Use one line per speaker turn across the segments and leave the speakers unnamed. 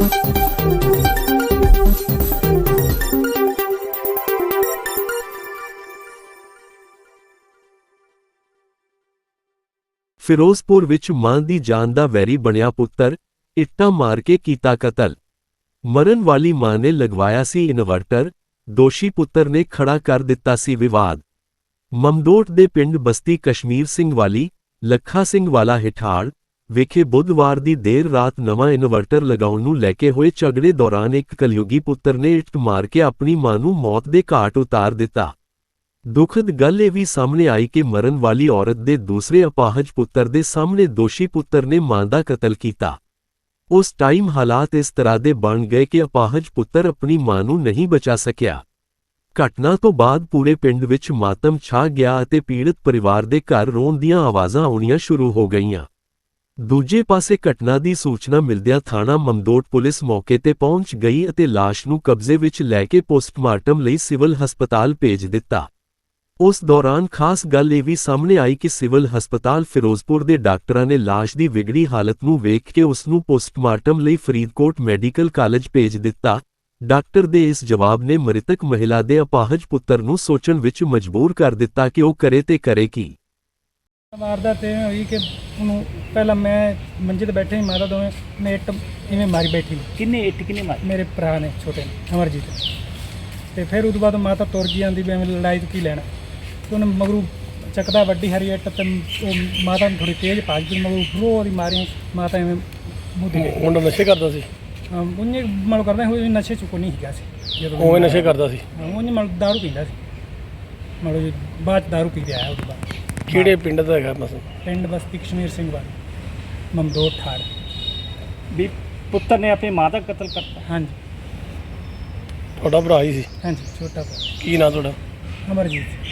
ਫਿਰੋਜ਼ਪੁਰ ਵਿੱਚ ਮਾਂ ਦੀ ਜਾਨ ਦਾ ਵੈਰੀ ਬਣਿਆ ਪੁੱਤਰ, ਇੱਟਾਂ ਮਾਰ ਕੇ ਕੀਤਾ ਕਤਲ। ਮਰਨ ਵਾਲੀ ਮਾਂ ਨੇ ਲਗਵਾਇਆ ਸੀ ਇਨਵਰਟਰ, ਦੋਸ਼ੀ ਪੁੱਤਰ ਨੇ ਖੜਾ ਕਰ ਦਿੱਤਾ ਸੀ ਵਿਵਾਦ। ਮਮਦੋਟ ਦੇ ਪਿੰਡ ਬਸਤੀ ਕਸ਼ਮੀਰ ਸਿੰਘ ਵਾਲੀ, ਲੱਖਾ ਸਿੰਘ ਵਾਲਾ ਹਿਠਾੜ ਵਿਖੇ ਬੁੱਧਵਾਰ ਦੀ ਦੇਰ ਰਾਤ ਨਵਾਂ ਇਨਵਰਟਰ ਲਗਾਉਣ ਨੂੰ ਲੈ ਕੇ ਹੋਏ ਝਗੜੇ ਦੌਰਾਨ ਇੱਕ ਕਲਯੁਗੀ ਪੁੱਤਰ ਨੇ ਇੱਟ ਮਾਰ ਕੇ ਆਪਣੀ ਮਾਂ ਨੂੰ ਮੌਤ ਦੇ ਘਾਟ ਉਤਾਰ ਦਿੱਤਾ। ਦੁਖਦ ਗੱਲ ਇਹ ਵੀ ਸਾਹਮਣੇ ਆਈ ਕਿ ਮਰਨ ਵਾਲੀ ਔਰਤ ਦੇ ਦੂਸਰੇ ਅਪਾਹਜ ਪੁੱਤਰ ਦੇ ਸਾਹਮਣੇ ਦੋਸ਼ੀ ਪੁੱਤਰ ਨੇ ਮਾਂ ਦਾ ਕਤਲ ਕੀਤਾ। ਉਸ ਟਾਈਮ ਹਾਲਾਤ ਇਸ ਤਰ੍ਹਾਂ ਦੇ ਬਣ ਗਏ ਕਿ ਅਪਾਹਜ ਪੁੱਤਰ ਆਪਣੀ ਮਾਂ ਨੂੰ ਨਹੀਂ ਬਚਾ ਸਕਿਆ। ਘਟਨਾ ਤੋਂ ਬਾਅਦ ਪੂਰੇ ਪਿੰਡ ਵਿੱਚ ਮਾਤਮ ਛਾ ਗਿਆ ਅਤੇ ਪੀੜਤ ਪਰਿਵਾਰ ਦੇ ਘਰ ਰੋਣ ਦੀਆਂ ਆਵਾਜ਼ਾਂ ਆਉਣੀਆਂ ਸ਼ੁਰੂ ਹੋ ਗਈਆਂ। ਦੂਜੇ ਪਾਸੇ ਘਟਨਾ ਦੀ ਸੂਚਨਾ ਮਿਲਦਿਆਂ ਥਾਣਾ ਮਮਦੋਟ ਪੁਲਿਸ ਮੌਕੇ ਤੇ ਪਹੁੰਚ ਗਈ ਅਤੇ ਲਾਸ਼ ਨੂੰ ਕਬਜ਼ੇ ਵਿੱਚ ਲੈ ਕੇ ਪੋਸਟਮਾਰਟਮ ਲਈ ਸਿਵਲ ਹਸਪਤਾਲ ਭੇਜ ਦਿੱਤਾ। ਉਸ ਦੌਰਾਨ ਖਾਸ ਗੱਲ ਇਹ ਵੀ ਸਾਹਮਣੇ ਆਈ ਕਿ ਸਿਵਲ ਹਸਪਤਾਲ ਫਿਰੋਜ਼ਪੁਰ ਦੇ ਡਾਕਟਰਾਂ ਨੇ ਲਾਸ਼ ਦੀ ਵਿਗੜੀ ਹਾਲਤ ਨੂੰ ਵੇਖ ਕੇ ਉਸ ਨੂੰ ਪੋਸਟਮਾਰਟਮ ਲਈ ਫਰੀਦਕੋਟ ਮੈਡੀਕਲ ਕਾਲਜ ਭੇਜ ਦਿੱਤਾ। ਡਾਕਟਰ ਦੇ ਇਸ ਜਵਾਬ ਨੇ ਮ੍ਰਿਤਕ ਮਹਿਲਾ ਦੇ ਅਪਾਹਜ ਪੁੱਤਰ ਨੂੰ ਸੋਚਣ ਵਿੱਚ ਮਜਬੂਰ ਕਰ ਦਿੱਤਾ ਕਿ ਉਹ ਕਰੇ ਤੇ ਕਰੇ ਕੀ।
ਵਾਰਦਾਤ ਇਹ ਹੋਈ ਕਿ ਉਹਨੂੰ ਪਹਿਲਾਂ ਮੈਂ ਮੰਜੇ ਤੇ ਬੈਠੇ ਹੀ ਮਾਤਾ ਦੋਵੇਂ ਨੇ ਇੱਟ ਇਵੇਂ ਮਾਰੀ ਬੈਠੀ।
ਕਿੰਨੇ ਮਾਰੀ?
ਮੇਰੇ ਭਰਾ ਨੇ ਛੋਟੇ ਨੇ ਅਮਰਜੀਤ। ਤੇ ਫਿਰ ਉਹ ਤੋਂ ਬਾਅਦ ਮਾਤਾ ਤੁਰ ਗਈ, ਆਂਦੀ ਵੀ ਐਵੇਂ ਲੜਾਈ ਤੋਂ ਕੀ ਲੈਣਾ। ਤੇ ਉਹਨੇ ਮਗਰੂ ਚੱਕਦਾ ਵੱਡੀ ਹਰੀ ਇੱਟ ਤੇ ਉਹ ਮਾਤਾ ਨੂੰ ਥੋੜੀ ਤੇਜ਼ ਭੱਜ ਗਈ, ਮਗਰੂ ਫਰੋ ਦੀ ਮਾਰੀ ਮਾਤਾ ਐਵੇਂ ਮੂੰਹ ਤੇ ਗਈ।
ਮੁੰਡਾ ਨਸ਼ੇ ਕਰਦਾ ਸੀ?
ਉਹਨੇ ਮਲ ਕਰਦਾ ਹੋਈ ਨਸ਼ੇ ਚ ਕੋਈ ਨਹੀਂ ਹੈਗਾ ਸੀ ਜਦੋਂ
ਉਹ ਨਸ਼ੇ ਕਰਦਾ ਸੀ।
ਉਹਨੇ ਮਲ ਦਾਰੂ ਪੀਂਦਾ ਸੀ, ਮਤਲਬ ਬਾਅਦ ਚ ਦਾਰੂ ਪੀ ਕੇ ਆਇਆ। ਉਹਦੇ ਬਾਅਦ
ਕਿਹੜੇ ਪਿੰਡ ਦਾ ਹੈਗਾ ਮਸਲਾ?
ਪਿੰਡ ਬਸਤੀ ਕਸ਼ਮੀਰ ਸਿੰਘ ਵਾਲੀ, ਮਮਦੋਟ ਠਾੜ।
ਵੀ ਪੁੱਤਰ ਨੇ ਆਪਣੀ ਮਾਂ ਦਾ ਕਤਲ ਕਰਤਾ?
ਹਾਂਜੀ।
ਤੁਹਾਡਾ ਭਰਾ ਹੀ ਸੀ?
ਹਾਂਜੀ, छोटा भरा।
ਕੀ ਨਾਂ ਤੁਹਾਡਾ?
अमरजीत।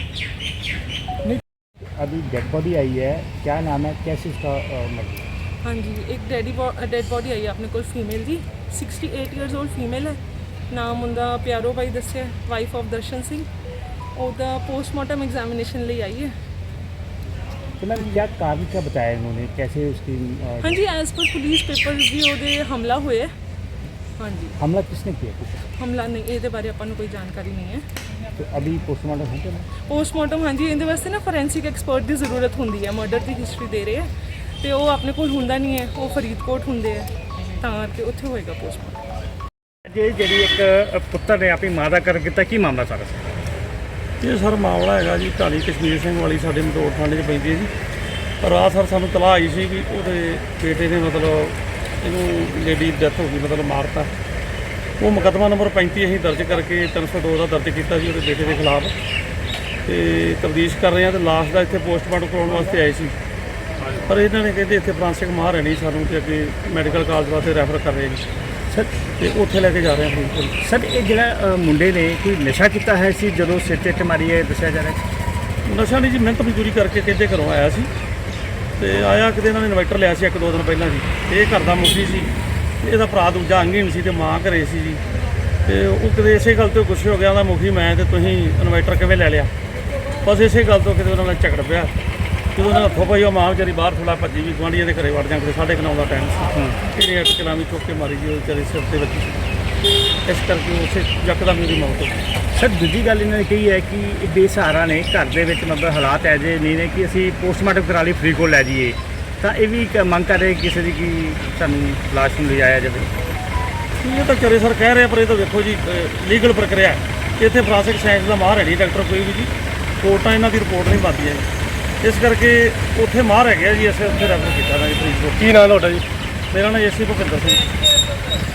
अभी डेड बॉडी आई है, क्या नाम है, कैसे इसका मर्डर?
हाँ जी, एक डेड बॉडी आई है अपने को फीमेल जी, 68 ईयर्स ओल्ड फीमेल है। नाम उनका प्यारो भाई दस्या, वाइफ ऑफ दर्शन सिंह। ਉਹਦਾ पोस्टमार्टम एग्जामिनेशन ਲਈ आई है।
तो मैम क्या कारण क्या बताया इन्होंने, कैसे उसकी?
हाँ जी, एज पर पुलिस पेपर्स भी ਉਹਦੇ हमला ਹੋਇਆ। हाँ जी।
हमला किसने किया?
हमला नहीं, ਇਹਦੇ ਬਾਰੇ ਆਪਾਂ ਨੂੰ ਕੋਈ ਜਾਣਕਾਰੀ ਨਹੀਂ ਹੈ।
तो अभी पोस्टमार्टम हो गया?
पोस्टमार्टम हाँ जी, ਇਹਦੇ ਵਾਸਤੇ ਨਾ ਫੋਰੈਂਸਿਕ ਐਕਸਪਰਟ ਦੀ ਜ਼ਰੂਰਤ ਹੁੰਦੀ ਹੈ। ਮਰਡਰ ਦੀ ਹਿਸਟਰੀ ਦੇ ਰਹੇ ਹੈ ਤੇ ਉਹ ਆਪਣੇ ਕੋਲ ਹੁੰਦਾ ਨਹੀਂ ਹੈ, ਉਹ ਫਰੀਦਕੋਟ ਹੁੰਦੇ ਹੈ, ਤਾਂ ਕਰਕੇ ਉੱਥੇ ਹੋਏਗਾ ਪੋਸਟਮਾਰਟਮ।
ਜੇ ਜਿਹੜੀ ਇੱਕ ਪੁੱਤਰ ਨੇ ਆਪਣੀ ਮਾਂ ਦਾ ਕਰ ਕੀਤਾ, ਕੀ ਮਾਮਲਾ ਸਾਰਾ?
ਇਹ ਸਰ ਮਾਮਲਾ ਹੈਗਾ ਜੀ ਢਾਣੀ ਕਸ਼ਮੀਰ ਸਿੰਘ ਵਾਲੀ ਸਾਡੇ ਮਦੋੜ ਥਾਣੇ 'ਚ ਪੈਂਦੀ ਹੈ ਜੀ। ਰਾਤ ਸਰ ਸਾਨੂੰ ਤਲਾਹ ਆਈ ਸੀ ਵੀ ਉਹਦੇ ਬੇਟੇ ਨੇ ਮਤਲਬ ਇਹਨੂੰ ਲੇਡੀ ਡੈਥ ਹੋ ਗਈ, ਮਤਲਬ ਮਾਰਤਾ। ਉਹ ਮੁਕੱਦਮਾ ਨੰਬਰ 35 ਅਸੀਂ ਦਰਜ ਕਰਕੇ 302 ਦਾ ਦਰਜ ਕੀਤਾ ਜੀ ਉਹਦੇ ਬੇਟੇ ਦੇ ਖਿਲਾਫ ਤੇ ਤਫਤੀਸ਼ ਕਰ ਰਹੇ ਹਾਂ। ਤੇ ਲਾਸ਼ ਦਾ ਇੱਥੇ ਪੋਸਟਮਾਰਟਮ ਕਰਾਉਣ ਵਾਸਤੇ ਆਏ ਸੀ, ਪਰ ਇਹਨਾਂ ਨੇ ਕਹਿੰਦੇ ਇੱਥੇ ਫਰਾਂਸਿਕ ਮਾਹਰ ਹੈ ਨਹੀਂ, ਸਾਨੂੰ ਤੇ ਅੱਗੇ ਮੈਡੀਕਲ ਕਾਲਜ ਵਾਸਤੇ ਰੈਫਰ ਕਰ ਰਹੇ ਜੀ
ਸਰ।
ਤੇ ਉੱਥੇ ਲੈ ਕੇ ਜਾ ਰਹੇ ਹਾਂ।
ਸਰ ਇਹ ਜਿਹੜਾ ਮੁੰਡੇ ਨੇ ਕੋਈ ਨਸ਼ਾ ਕੀਤਾ ਹੈ ਸੀ ਜਦੋਂ ਸਿਰ 'ਤੇ ਇੱਟ ਮਾਰੀ ਹੈ, ਦੱਸਿਆ ਜਾ ਰਿਹਾ?
ਨਸ਼ਾ ਨਹੀਂ ਜੀ, ਮਿਹਨਤ ਮਜ਼ਦੂਰੀ ਕਰਕੇ ਕਹਿੰਦੇ ਘਰੋਂ ਆਇਆ ਸੀ ਤੇ ਆਇਆ ਕਿਤੇ ਇਹਨਾਂ ਨੇ ਇਨਵਰਟਰ ਲਿਆ ਸੀ 1-2 ਦਿਨ ਪਹਿਲਾਂ ਜੀ। ਇਹ ਘਰ ਦਾ ਮੁਖੀ ਸੀ, ਇਹਦਾ ਭਰਾ ਦੂਜਾ ਅੰਗਹੀਣ ਸੀ ਤੇ ਮਾਂ ਘਰੇ ਸੀ ਜੀ। ਤੇ ਉਹ ਕਿਤੇ ਇਸੇ ਗੱਲ ਤੋਂ ਗੁੱਸੇ ਹੋ ਗਿਆ, ਉਹਦਾ ਮੁਖੀ ਮੈਂ ਤੇ ਤੁਸੀਂ ਇਨਵਰਟਰ ਕਿਵੇਂ ਲੈ ਲਿਆ। ਬਸ ਇਸੇ ਗੱਲ ਤੋਂ ਕਿਤੇ ਉਹਨਾਂ ਨਾਲ ਝਗੜ ਪਿਆ। ਜਦੋਂ ਉਹਨਾਂ ਹੱਥੋਂ ਪਈ ਉਹ ਮਾਂ ਵਿਚਾਰੀ ਬਾਹਰ ਥੋੜਾ ਭੱਜੀ ਵੀ ਗੁਆਂਢੀਆਂ ਦੇ ਘਰੇ ਵੜ ਜਾਂ, ਕਿਤੇ 9:30 ਦਾ ਟਾਈਮ ਸੀ। ਇਹਨੇ ਇੱਟ ਚਲਾਵੀ ਚੁੱਕ ਕੇ ਮਾਰੀ ਜੀ ਉਹ ਵਿਚਾਰੇ ਸਿਰ ਤੇ ਵੱਜੀ। ਇਸ ਕਰਕੇ ਉਸੇ ਯਕਦਮ ਮੇਰੀ ਮੌਤ ਹੋ ਗਈ।
ਸਰ ਦੂਜੀ ਗੱਲ ਇਹਨਾਂ ਨੇ ਕਹੀ ਹੈ ਕਿ ਇਹ ਬੇਸਹਾਰਾ ਨੇ, ਘਰ ਦੇ ਵਿੱਚ ਮਤਲਬ ਹਾਲਾਤ ਐ ਜੇ ਨਹੀਂ ਨੇ ਕਿ ਅਸੀਂ ਪੋਸਟਮਾਰਟਮ ਕਰਾ ਲਈ ਫਰੀਦਕੋਟ ਲੈ ਜਾਈਏ, ਤਾਂ ਇਹ ਵੀ ਇੱਕ ਮੰਗ ਕਰ ਰਹੇ ਕਿਸੇ ਦੀ ਕਿ ਸਾਨੂੰ ਲਾਸ਼ ਨੂੰ ਲਿਜਾਇਆ ਜਾਵੇ।
ਇਹ ਤਾਂ ਚਰੇ ਸਰ ਕਹਿ ਰਹੇ, ਪਰ ਇਹ ਤਾਂ ਵੇਖੋ ਜੀ ਲੀਗਲ ਪ੍ਰਕਿਰਿਆ ਹੈ। ਇੱਥੇ ਫੋਰੈਂਸਿਕ ਸਾਇੰਸ ਦਾ ਮਾਹਰ ਹੈ ਨਹੀਂ ਡਾਕਟਰ ਕੋਈ ਵੀ ਜੀ, ਕੋਰਟਾਂ ਇਹਨਾਂ ਦੀ ਰਿਪੋਰਟ ਨਹੀਂ ਪਾਉਂਦੀਆਂ ਜੀ। ਇਸ ਕਰਕੇ ਉੱਥੇ ਮਾਹਰ ਹੈਗੇ ਜੀ, ਅਸੀਂ ਉੱਥੇ ਰੈਫਰ ਕੀਤਾ ਨਾ ਜੀ ਫਰੀਦਕੋਟ। ਕੀ ਨਾਂ ਤੁਹਾਡਾ ਜੀ? ਮੇਰਾ ਨਾਮ ਏਸੀ ਭੁਪਿੰਦਰ ਸਿੰਘ।